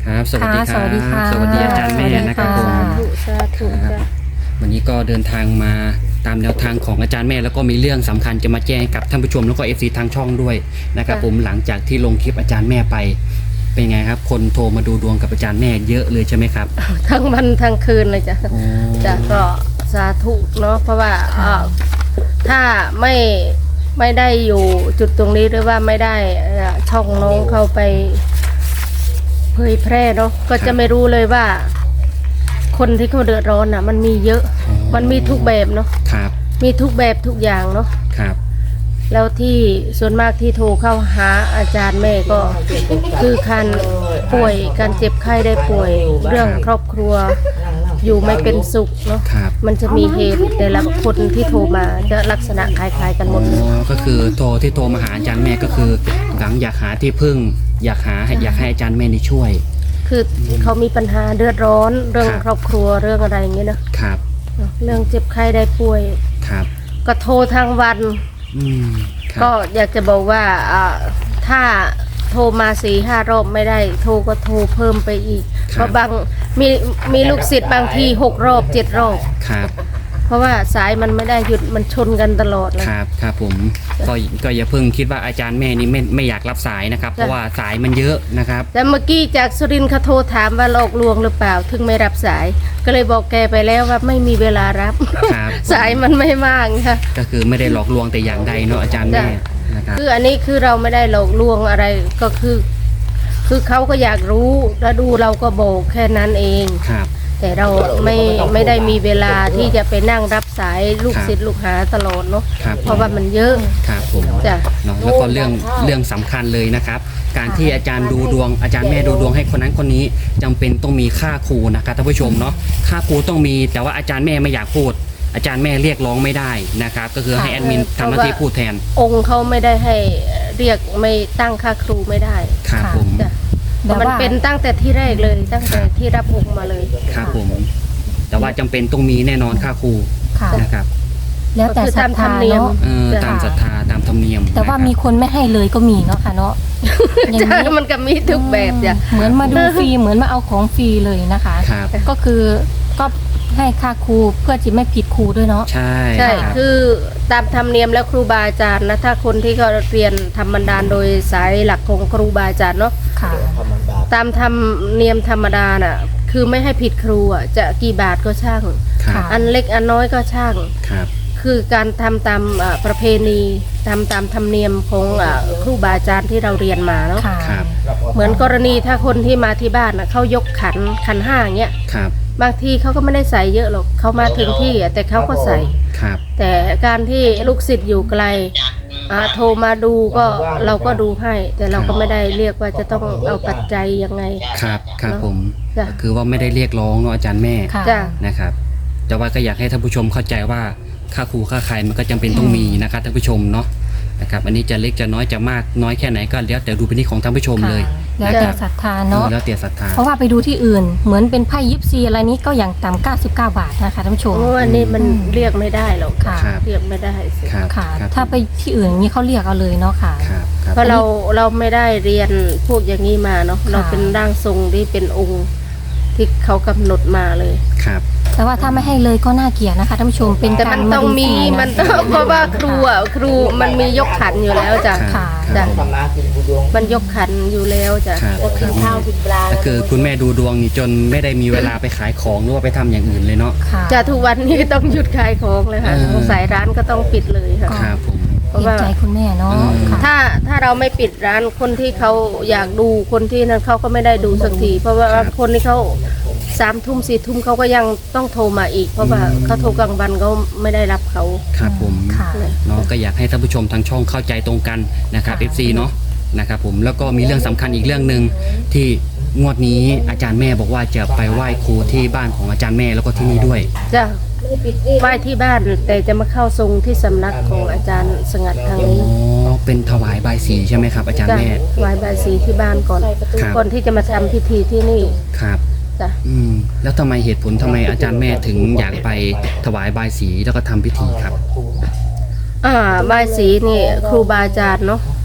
ครับสวัสดีครับสวัสดีค่ะสวัสดีอาจารย์แม่นะครับผมสาธุครับจ้ะวันนี้ก็เดินทางมาตามแนวทางของอาจารย์แม่แล้วก็มีเรื่องสำคัญจะมาแจ้งให้กับท่านผู้ชมแล้วก็เอฟซีทางช่องด้วยนะครับผมหลังจากที่ลงคลิปอาจารย์แม่ไปเป็นไงครับคนโทรมาดูดวงกับอาจารย์แม่เยอะเลยใช่ไหมครับทั้งวันทั้งคืนเลยจ้ะโอ้จ้ะก็สาธุเนาะเพราะว่าถ้าไม่ได้อยู่จุดตรงนี้หรือว่าไม่ได้ช่องน้องเข้าไปเผยแพร่เนาะก็จะไม่รู้เลยว่า คนที่เขาเดือดร้อนอ่ะ มันมีเยอะ มันมีทุกแบบเนาะครับมีทุกแบบทุกอย่างเนาะครับแล้วที่ส่วนมากที่โทรเข้าหาอาจารย์แม่ก็คือการป่วยการเจ็บไข้ได้ป่วยเรื่องครอบครัวอยู่ไม่เป็นสุขเนาะครับมันจะมีเหตุแต่ละคนที่โทรมาจะลักษณะคล้ายๆกันหมอ๋ดเลยอก็คือที่โทรมาหาอาจารย์แม่ก็คือหลังอยากหาที่พึ่ง อยากให้อาจารย์แม่นี่ช่วยคือเขามีปัญหาเดือดร้อนเรื่องครับครอบครัวเรื่องอะไรอย่างเงี้ยนะครับ เรื่องเจ็บไข้ได้ป่วยครับก็โทรทางวันครับก็อยากจะบอกว่าถ้าโทรมา4-5 รอบไม่ได้โทรก็โทรเพิ่มไปอีก เพราะบางมีลูกศิษย์บางที6 รอบ 7 รอบครับเพราะว่าสายมันไม่ได้หยุดมันชนกันตลอดเลยครับครับผมก็อย่าเพิ่งคิดว่าอาจารย์แม่นี่ไม่อยากรับสายนะครับ เพราะว่าสายมันเยอะนะครับแต่เมื่อกี้จากสุรินทร์เขาโทรถามว่าหลอกลวงหรือเปล่าถึงไม่รับสาย ก็เลยบอกแกไปแล้วว่าไม่มีเวลารับครับสายมันไม่มากค่ะก็คือไม่ได้หลอกลวงแต่อย่างใดเนาะอาจารย์แม่นะครับคืออันนี้คือเราไม่ได้หลอกลวงอะไรก็คือเขาก็อยากรู้แล้วดูเราก็บอกแค่นั้นเองครับแต่เราไม่ได้มีเวลาที่จะไปนั่งรับสายลูกศิษย์ลูกหาตลอดเนาะครับเพราะว่ามันเยอะครับผมจ้ะเนาะแล้วก็เรื่องสำคัญเลยนะครับ การที่อาจารย์ดูดวงอาจารย์แม่ดูดวงให้คนนั้นคนนี้จำเป็นต้องมีค่าครูนะครับท่านผู้ชมเนาะค่าครูต้องมีแต่ว่าอาจารย์แม่ไม่อยากพูด อาจารย์แม่เรียกร้องไม่ได้นะครับ ก็คือให้แอดมินทำหน้าที่พูดแทนองค์เขาไม่ได้ให้เรียกไม่ตั้งค่าครูไม่ได้ครับผมจ้ะแต่ว่ามันเป็นตั้งแต่ที่แรกเลยตั้งแต่ที่รับองค์มาเลยครับผม แต่ว่าจำเป็นต้องมีแน่นอนค่าครูค่ะนะครับแล้วแต่ก็คือศรัตาทมธรธารมเนียมเนาะตามศรัทธาตามธรรมเนียมแต่ว่านะครับมีคนไม่ให้เลยก็มีเนาะค่ะเนาะอย่างจ้ะนี้มันก็มีทุกแบบจ้ะเหมือนมาดูฟรีเหมือนมาเอาของฟรีเลยนะคะครับก็คือก็ให้ค่าครูเพื่อจะไม่ผิดครูด้วยเนาะใช่ใช่ครับคือตามธรรมเนียมแล้วครูบาอาจารย์นะถ้าคนที่เขาเรียนธรรมดาโดยสายหลักของครูบาอาจารย์เนาะค่ะตามธรรมเนียมธรรมดาน่ะคือไม่ให้ผิดครูอ่ะจะกี่บาทก็ช่างครับอันเล็กอันน้อยก็ช่างครับคือการทำตามประเพณีตามธรรมเนียมของครูบาอาจารย์ที่เราเรียนมาเนาะค่ะครับเหมือนกรณีถ้าคนที่มาที่บ้านนะเขายกขันห้าเงี้ยครับบางทีเขาก็ไม่ได้ใส่เยอะหรอกเขามาถึงที่แต่เขาก็ใส่ครับแต่การที่ลูกศิษย์อยู่ไกลโทรมาดูก็เราก็ดูให้ แต่เราก็ไม่ได้เรียกว่าจะต้องเอาปัจจัยยังไงครับครับผมจ้ะคือว่าไม่ได้เรียกร้องเนาะอาจารย์แม่ค่ะจ้ะนะครับ แต่ว่าก็อยากให้ท่านผู้ชมเข้าใจว่าค่าครูค่าใครมันก็จำเป็นต้องมีนะครับท่านผู้ชมเนาะนะครับ อันนี้จะเล็กจะน้อยจะมากน้อยแค่ไหนก็แล้วแต่ดูเป็นที่ของท่านผู้ชมเลยแล้วแต่ศรัทธาเนาะแล้วแต่ศรัทธาเพราะว่าไปดูที่อื่น เหมือนเป็นไพ่ยิปซีอะไรนี้ก็อย่างต่ำ99 บาทนะคะท่านผู้ชมโอ้อันนี้มันเรียกไม่ได้หรอกค่ะครับเรียกไม่ได้สิครับค่ะครับถ้าไปที่อื่นอย่างนี้เขาเรียกเอาเลยเนาะค่ะครับครับเพราะเราไม่ได้เรียนพวกอย่างนี้มาเนาะเราเป็นร่างทรงที่เป็นองค์ที่เขากำหนดมาเลยครับแต่ว่าถ้าไม่ให้เลยก็น่าเกลียดนะคะท่านผู้ชมเป็นแต่กามัรนมาต้องดูฟมีรีนะมันต้องเพราะว่าครูมันมียกขันอยู่แล้วจ้ะค่ะจ้ะครับมันยกขันอยู่แล้วจ้ะครับก็คือคุณแม่ดูดวงนี่จนไม่ได้มีเวลาไปขายของหรือว่าไปทำอย่างอื่นเลยเนาะค่ะจ้ะทุกวันนี้ต้องหยุดขายของเลยค่ะ สายร้านก็ต้องปิดเลยค่ะครับผมเพราะเห็นว่าใจคุณแม่เนาะอืมค่ะถ้าเราไม่ปิดร้านคนที่เขาอยากดูคนที่นั้นเขาก็ไม่ได้ดูสักทีเพราะว่าคนที่เขา3 ทุ่ม4 ทุ่มเขาก็ยังต้องโทรมาอีก เพราะว่าเขาโทรกลางวันเขาไม่ได้รับเขาครับผมค่ะเนาะก็อยากให้ท่านผู้ชมทางช่องเข้าใจตรงกันนะครับ FC เนาะนะครับผมแล้วก็มีเรื่องสำคัญอีกเรื่องหนึ่งที่งวดนี้อาจารย์แม่บอกว่าจะไปไหว้ครูที่บ้านของอาจารย์แม่แล้วก็ที่นี่ด้วยจ้ะไหว้ที่บ้านแต่จะมาเข้าทรงที่สำนักของอาจารย์สงัดทางอ๋อนี้เป็นถวายบายสีใช่ไหมครับ อาจารย์จ้ะแม่ไหว้บายสีที่บ้านก่อนครับก่อนที่จะมาทำพิธีที่นี่ครับจ้ะแล้วทำไมเหตุผลทำไมอาจารย์แม่ถึงอยากไปถวายบายสีแล้วก็ทำพิธีครับบายสีนี่ครูบาอาจารย์เนาะครับท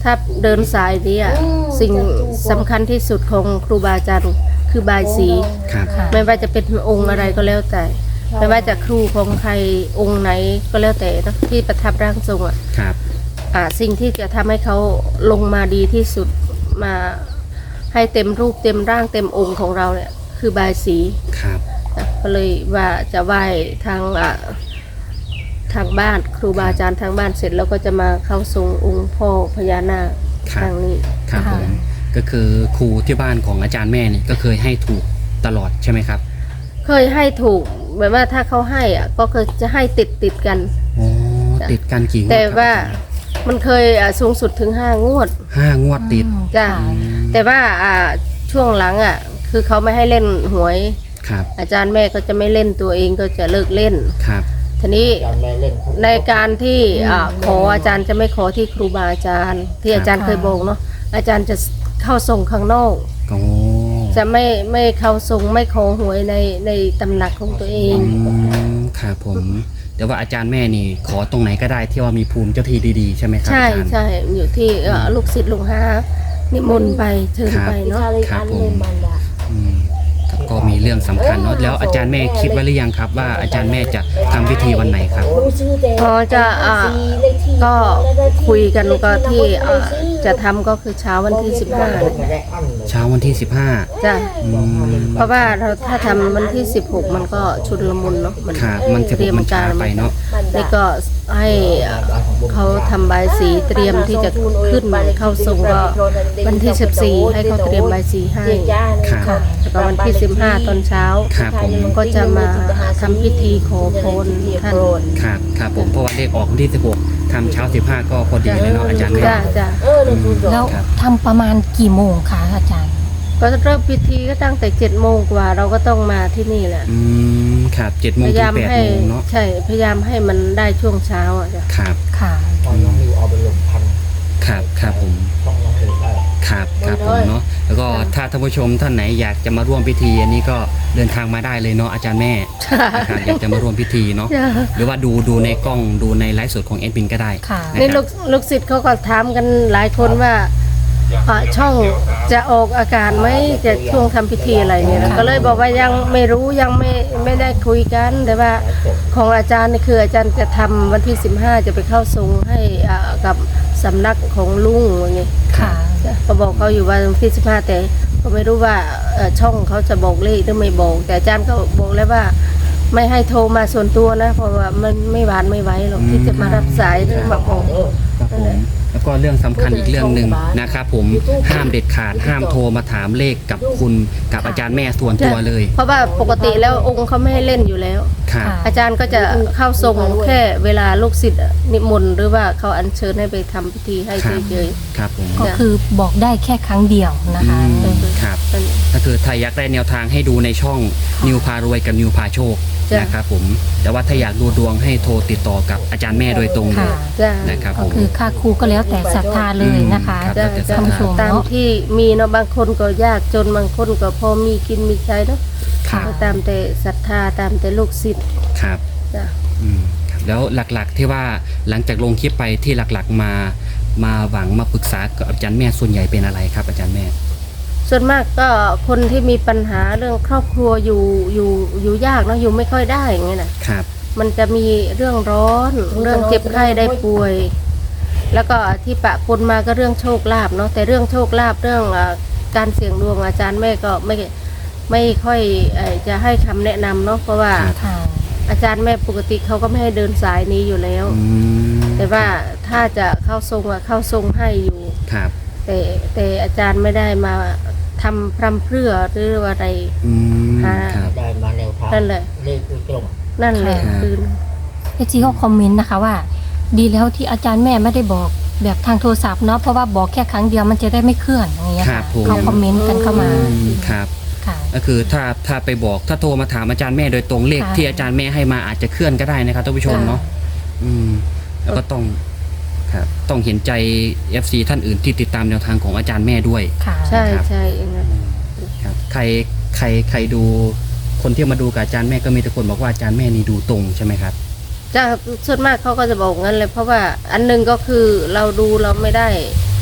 ถ้าเดินสายนี้สิ่งสำคัญที่สุดของครูบาอาจารย์คือบายสีครับค่ะไม่ว่าจะเป็นองค์อะไรก็แล้วแต่ ไม่ว่าจะครูของใครองค์ไหนก็แล้วแต่นะที่ประทับร่างทรงครับสิ่งที่จะทำให้เขาลงมาดีที่สุดมาให้เต็มรูปเต็มร่างเต็มองค์ของเราเนี่ยคือบายสีครับก็เลยว่าจะไหว้ทางบ้านครูบาอาจารย์ทางบ้านเสร็จแล้วก็จะมาเข้าทรงองค์พ่อพญานาคครับทางนี้ครับผมก็คือครูที่บ้านของอาจารย์แม่นี่ก็เคยให้ถูกตลอดใช่ไหมครับเคยให้ถูกแบบว่าถ้าเขาให้ก็เคยจะให้ติดกันโอ้ติดกันกี่งวดแต่ครับว่ามันเคยสูงสุดถึง5 งวด 5 งวดติดจ้ะค่ะแต่ว่าช่วงหลังคือเขาไม่ให้เล่นหวยครับอาจารย์แม่ก็จะไม่เล่นตัวเองก็จะเลิกเล่นครับทีนี้ในการที่ขออาจารย์จะไม่ขอที่ครูบาอาจารย์ ที่อาจารย์เคยบอกเนาะอาจารย์จะเข้าทรงข้างนอกโอ้จะไม่เข้าทรงไม่ขอหวยในตำหนักของตัวเองครับผมแต่ว่าอาจารย์แม่นี่ขอตรงไหนก็ได้ที่ว่ามีภูมิเจ้าที่ดีๆใช่ไหมครับใช่อาจารย์ใช่อยู่ที่ลูกศิษย์ลูกหานิมนต์ไปเชิญไปเนาะครับผมอืมครับก็มีเรื่องสำคัญเนาะแล้วอาจารย์แม่คิดไว้หรือยังครับว่าอาจารย์แม่จะทำพิธีวันไหนครับพอจะก็คุยกันก็ที่จะทำก็คือเช้าวันที่15เลยเช้าวันที่จ้ะ 15อืมเพราะว่าถ้าทำวันที่16มันก็ชุนละมุนเนาะครับมันเตรียมมันช้าไปเนาะนี่ก็ให้เขาทำใบายสีเตรียมที่จะขึ้นเข้าทรงก็วันที่14ให้เขาเตรียมใบายสีให้ครับแล้วก็วันที่15ตอนเช้าครับผมก็จะมาทำพิธีขอพรท่านครับครับผมเพราะว่าเลขออกวันที่16ทำเช้า15ก็พอดีเลยเนาะอาจารย์แม่จ้ะจ้ะแล้วครับทำประมาณกี่โมงคะอาจารย์ก็เริ่มพิธีก็ตั้งแต่7 โมงกว่าเราก็ต้องมาที่นี่แหละอืมครับ7 โมพงยาถึยาง ม 8 ให้โมงเนาะใช่พยายามให้มันได้ช่วงเช้าจ้ะครับค่ะตอนน้องนิวเอาไปลงพันครับครับผมต้องน้องนิวได้ครับครับผมเนาะแล้วก็ถ้าท่านผู้ชมท่านไหนอยากจะมาร่วมพิธีอันนี้ก็เดินทางมาได้เลยเนาะอาจารย์แม่นะครับอยากจะมาร่วมพิธีเนาะจ้ะหรือว่าดูในกล้องดูในไลฟ์สดของเอ็ดบินก็ได้ค่ะนะนี่คลูรับกศิษย์เขาก็ถามกันหลายคนว่าช่องจะออกอากาศไหมจะช่วงทำพิธีอะไรเนี่ยนะก็เลยบอกว่ายังไม่รู้ยังไม่ได้คุยกัน แต่ว่าของอาจารย์นี่คืออาจารย์จะทำวันที่15จะไปเข้าทรงให้กับสำนักของลุงอย่างเงี้ยค่ะก็บอกเขาอยู่ว่าวันที่15แต่ก็ไม่รู้ว่าช่องเขาจะบอกเลขหรือไม่บอกแต่อาจารย์ก็บอกแล้วว่าไม่ให้โทรมาส่วนตัวนะ เพราะว่ามันไม่หวานไม่ไหวหรอกที่จะมารับสายหรือมาบอกครับผมแล้วก็เรื่องสำคัญอีกเรื่องหนึ่งนะครับผมห้ามเด็ดขาดห้ามโทรมาถามเลขกับคุณกับอาจารย์แม่ส่วนตัวเลยเพราะว่าปกติแล้วองค์เขาไม่ให้เล่นอยู่แล้วครับค่ะอาจารย์ก็จะเข้าทรงแค่เวลาลูกศิษย์นิมนต์หรือว่าเขาอัญเชิญให้ไปทำพิธีให้เฉยครับผมก็คือบอกได้แค่ครั้งเดียวนะคะครับๆเป็นก็คือถ้าอยากได้แนวทางให้ดูในช่องนิวพารวยกับนิวพาโชคจ้ะนะครับผมแต่ว่าถ้าอยากดูดวงให้โทรติดต่อกับอาจารย์แม่โดยตรงเลค่ะยจ้านะครับผก็มคือค่าครูก็แล้วแต่ศรัทธาเลยนะคะครับจ้าแล้วแต่จ้าท่านผู้ชมตามเนาะที่มีเนาะบางคนก็ยากจนบางคนก็พอมีกินมีใช้เนาะค่ะก็ตามแต่ศรัทธาตามแต่ลูกศิษย์ครับจ้ะอืมครับแล้วหลักๆที่ว่าหลังจากลงคลิปไปที่หลักๆมาหวังมาปรึกษากับอาจารย์แม่ส่วนใหญ่เป็นอะไรครับอาจารย์แม่ส่วนมากก็คนที่มีปัญหาเรื่องครอบครัวอยู่ยากเนาะอยู่ไม่ค่อยได้อย่างเงี้ยนะครับ มันจะมีเรื่องร้อนเรื่องเจ็บไข้ได้ป่วย แล้วก็ที่ปะปนมาก็เรื่องโชคลาภเนาะแต่เรื่องโชคลาภเรื่องการเสี่ยงดวงอาจารย์แม่ก็ไม่ค่อยจะให้คำแนะนำเนาะเพราะว่าค่ะอาจารย์แม่ปกติเขาก็ไม่ให้เดินสายนี้อยู่แล้วอืมแต่ว่าถ้าจะเข้าทรงเข้าทรงให้อยู่ครับแต่อาจารย์ไม่ได้มาทำพรำเพรื่อหรืออะไรอืมค่ะครับได้มาแนวทางนั่นแหละเลขตรงนั่นแหละค่ะคือไอจีเขาคอมเมนต์นะคะว่า ดีแล้วที่อาจารย์แม่ไม่ได้บอกแบบทางโทรศัพท์เนาะเพราะว่าบอกแค่ครั้งเดียวมันจะได้ไม่เคลื่อนอย่างเงี้ยครัค่ะบผมเขาคอมเมนต์กันเข้ามาอืมครับค่ะก็คือถ้าไปบอกถ้าโทรมาถามอาจารย์แม่โดยตรงเลขค่ะที่อาจารย์แม่ให้มาอาจจะเคลื่อนก็ได้นะครับท่านผู้ชมเนาะอืมแล้วก็ต้องครับต้องเห็นใจ FC ท่านอื่นที่ติดตามแนวทางของอาจารย์แม่ด้วยค่ะใช่ครับใช่อย่างนั้นครับใครดูคนที่มาดูกับอาจารย์แม่ก็มีแต่คนบอกว่าอาจารย์แม่นี่ดูตรงใช่ไหมครับจะส่วนมากเขาก็จะบอกงั้นเลยเพราะว่าอันหนึงก็คือเราดูเราไม่ได้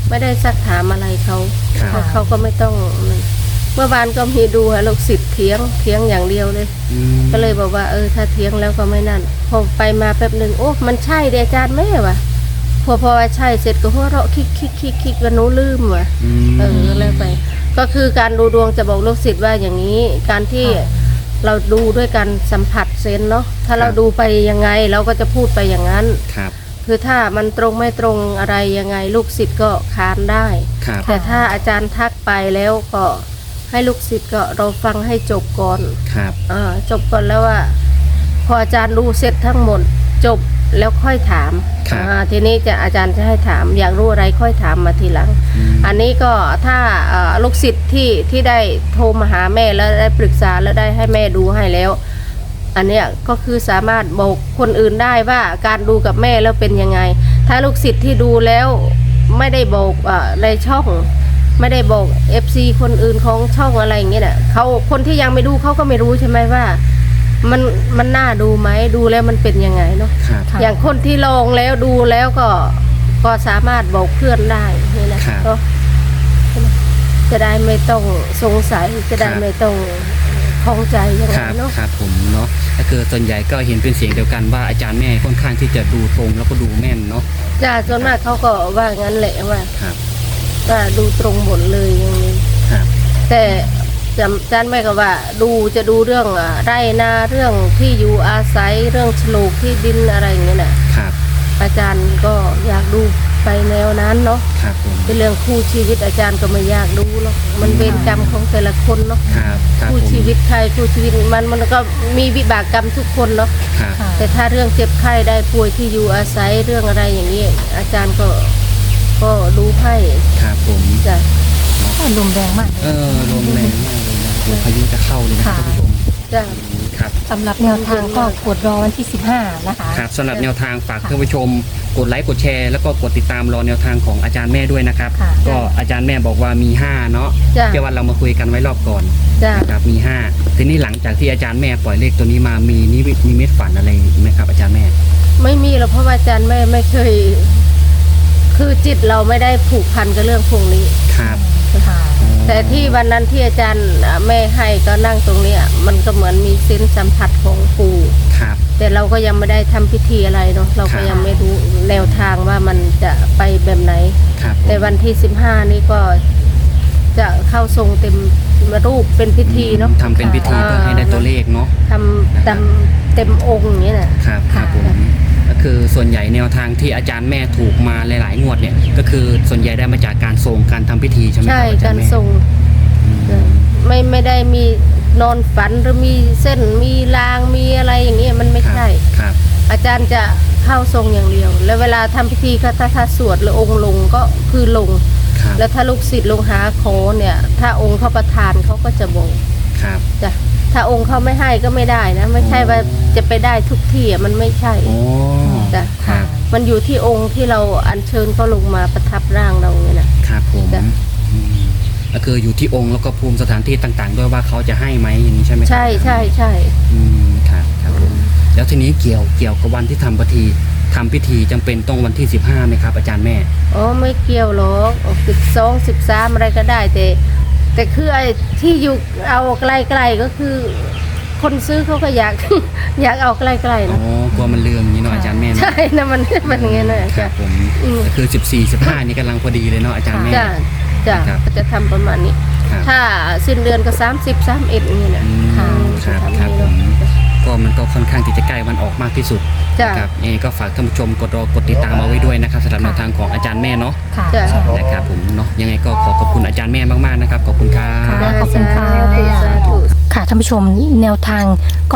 ไม่ได้ซักถามอะไรเขาครับเขาก็ไม่ต้องเมื่อวานก็มีดูลูกศิษย์เถียงอย่างเดียวเลยอืมก็เลยบอกว่าถ้าเถียงแล้วก็ไม่นั่นพอไปมาแป๊บหนึ่งโอ้มันใช่เดอาจารย์แม่ว่ะพอว่าใช่เสร็จก็หัวเราะคิกว่าหนูลืมว่ะ แล้วไป ก็คือการดูดวงจะบอกลูกศิษย์ว่าอย่างนี้ การที่เราดูด้วยการสัมผัสเซนส์เนาะถ้าเราดูไปยังไงเราก็จะพูดไปอย่างนั้นครับคือถ้ามันตรงไม่ตรงอะไรยังไงลูกศิษย์ก็ค้านได้ครับแต่ถ้าอาจารย์ทักไปแล้วก็ให้ลูกศิษย์ก็เราฟังให้จบก่อนครับจบก่อนแล้วว่า พออาจารย์ดูเสร็จทั้งหมดจบแล้วค่อยถามครับทีนี้อาจารย์จะให้ถามอยากรู้อะไรค่อยถามมาทีหลัง อันนี้ก็ถ้าลูกศิษย์ที่ได้โทรมาหาแม่แล้วได้ปรึกษาแล้วได้ให้แม่ดูให้แล้ว อันเนี้ยก็คือสามารถบอกคนอื่นได้ว่าการดูกับแม่แล้วเป็นยังไง ถ้าลูกศิษย์ที่ดูแล้วไม่ได้บอกในช่อง ไม่ได้บอก FC คนอื่นของช่องอะไรอย่างเงี้ยน่ะเขาคนที่ยังไม่ดูเขาก็ไม่รู้ใช่ไหมว่า มันน่าดูไหมดูแล้วมันเป็นยังไงเนาะครับค่ะอย่างคนที่ลองแล้วดูแล้วก็สามารถบอกเพื่อนได้นี่นะครับ ก็จะได้ไม่ต้องสงสัยจะได้ครับไม่ต้องข้องใจยังคไงรับเนาะครับผมเนาะก็คือส่วนใหญ่ก็เห็นเป็นเสียงเดียวกันว่าอาจารย์แม่ค่อนข้างที่จะดูตรงแล้วก็ดูแม่นเนาะจ้าส่วนมากเขาก็ว่างั้นแหละว่าครับดูตรงหมดเลยอย่างนี้ครับแต่อาจารย์แม่ก็ว่าจะดูเรื่องไร่นาเรื่องที่อยู่อาศัยเรื่องโฉนดที่ดินอะไรอย่างเงี้ยน่ะครับอาจารย์ก็อยากดูไปแนวนั้นเนาะครับผมเป็นเรื่องคู่ชีวิตอาจารย์ก็ไม่อยากดูหรอกมันเวรกรรมของแต่ละคนเนาะครับครับคู่ผมชีวิตใครคู่ชีวิตมันก็มีวิบากกรรมทุกคนเนาะครับค่ะแต่ถ้าเรื่องเจ็บไข้ได้ป่วยที่อยู่อาศัยเรื่องอะไรอย่างนี้อาจารย์ก็ดูให้ครับผมจ้ะก็ลมแรงมากเลยลมแรงมากเลยนะเดี๋ยวพายุจะเข้าเลยนะค่ะท่านผู้ชมจ้ะครับสำหรับแนวทางก็กดรอวันที่ 15 นะคะครับสำหรับแนวทางฝากท่านผู้ชมกดไลค์กดแชร์แล้วก็กดติดตามรอแนวทางของอาจารย์แม่ด้วยนะครับค่ะก็อาจารย์แม่บอกว่ามี 5 เนาะจ้ะที่ว่าเรามาคุยกันไว้รอบก่อนจ้ะนะครับมี 5 ทีนี้หลังจากที่อาจารย์แม่ปล่อยเลขตัวนี้มามีนิมิตฝันอะไรไหมครับอาจารย์แม่ไม่มีหรอกเพราะว่าอาจารย์ไม่เคย คือจิตเราไม่ได้ผูกพันกับเรื่องพวกนี้ครับค่ะแต่ที่วันนั้นที่อาจารย์แม่ให้ก็นั่งตรงเนี้ยมันก็เหมือนมีเส้นสัมผัสของปู่ครับแต่เราก็ยังไม่ได้ทำพิธีอะไรเนาะเราก็ยังไม่รู้แนวทางว่ามันจะไปแบบไหนครับผมแต่วันที่ 15 นี้ก็จะเข้าทรงเต็มรูปเป็นพิธีเนาะทำเป็นพิธีเพื่อให้ได้ตัวเลขเนาะทำเต็มองค์อย่างนี้นะครับครับผมก็คือส่วนใหญ่แนวทางที่อาจารย์แม่ถูกมาหลายๆงวดเนี่ยก็คือส่วนใหญ่ได้มาจากการส่งการทำพิธีใช่ไหมคใช่รับอาจารการย์แม่ทรงอืมไม่ได้มีนอนฝันหรือมีเส้นมีรางมีอะไรอย่างเงี้ยมันไม่ใช่ครับอาจารย์จะเข้าทรงอย่างเดียว แล้วเวลาทำพิธีก็ถ้าสวดหรือองค์ลงก็คือลงครับแล้วถ้าลูกศิษย์ลงหาขอเนี่ย ถ้าองค์เขาประทานเขาก็จะบอกครับจ้ะถ้าองค์เขาไม่ให้ก็ไม่ได้นะ ไม่ใช่ว่าจะไปได้ทุกที่อ่ะมันไม่ใช่โอ้จ้ะครับมันอยู่ที่องค์ที่เราอัญเชิญเขาลงมาประทับร่างเราเนี่ยนะครับผมจ้ะอืมก็คืออยู่ที่องค์แล้วก็ภูมิสถานที่ต่างๆ ด้วยว่าเขาจะให้ไหมอย่างนี้ใช่ไหมครับใช่ใช่ใช่อืมครับครับผมแล้วทีนี้เกี่ยวกับวันที่ทำพิธีจำเป็นต้องวันที่ 15ไหมครับอาจารย์แม่อ๋อไม่เกี่ยวหรอก12 13อะไรก็ได้ แต่คือไอ้ที่อยู่เอาใกล้ๆก็คือ คนซื้อเขาก็อยาก อยากเอาใกล้ๆอ๋อนะกลัวมันเลืองอย่างนี้เนาะอาจารย์แม่เนาะใช่นะมันอย่างเงี้ยนะครัจ้ะบผมอืมก็คือ 14 15นี่กำลังพอดีเลยเนาะอาจารย์แม่จ้ะจ้ะครับก็จะทำประมาณนี้ครับถ้าสิ้นเดือนก็30 31อย่างนี้นะอืมครับครับผมก็มันก็ค่อนข้างที่จะใกล้วันออกมากที่สุดจ้ะครับยังไงก็ฝากท่านผู้ชมกดติดตามเอาไว้ด้วยนะครับสำหรับแนวทางของอาจารย์แม่เนาะค่ะจ้ะใช่นะครับผมเนาะยังไงก็ขอบคุณอาจารย์แม่มากๆนะครับขอบคุณครับค่ะ ขอบคุณค่ะสาธุค่ะท่านผู้ชมแนวทางก็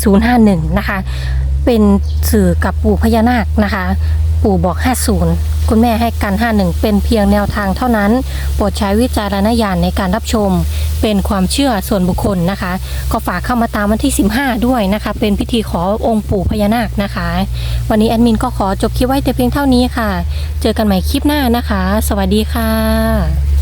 5051 นะคะ เป็นสื่อกับปู่พญานาคนะคะ ปู่บอก 50 คุณแม่ให้กัน 51 เป็นเพียงแนวทางเท่านั้น โปรดใช้วิจารณญาณในการรับชม เป็นความเชื่อส่วนบุคคลนะคะ ก็ฝากเข้ามาตามวันที่ 15 ด้วยนะคะ เป็นพิธีขอองค์ปู่พญานาคนะคะ วันนี้แอดมินก็ขอจบคลิปไว้แต่เพียงเท่านี้ค่ะ เจอกันใหม่คลิปหน้านะคะ สวัสดีค่ะ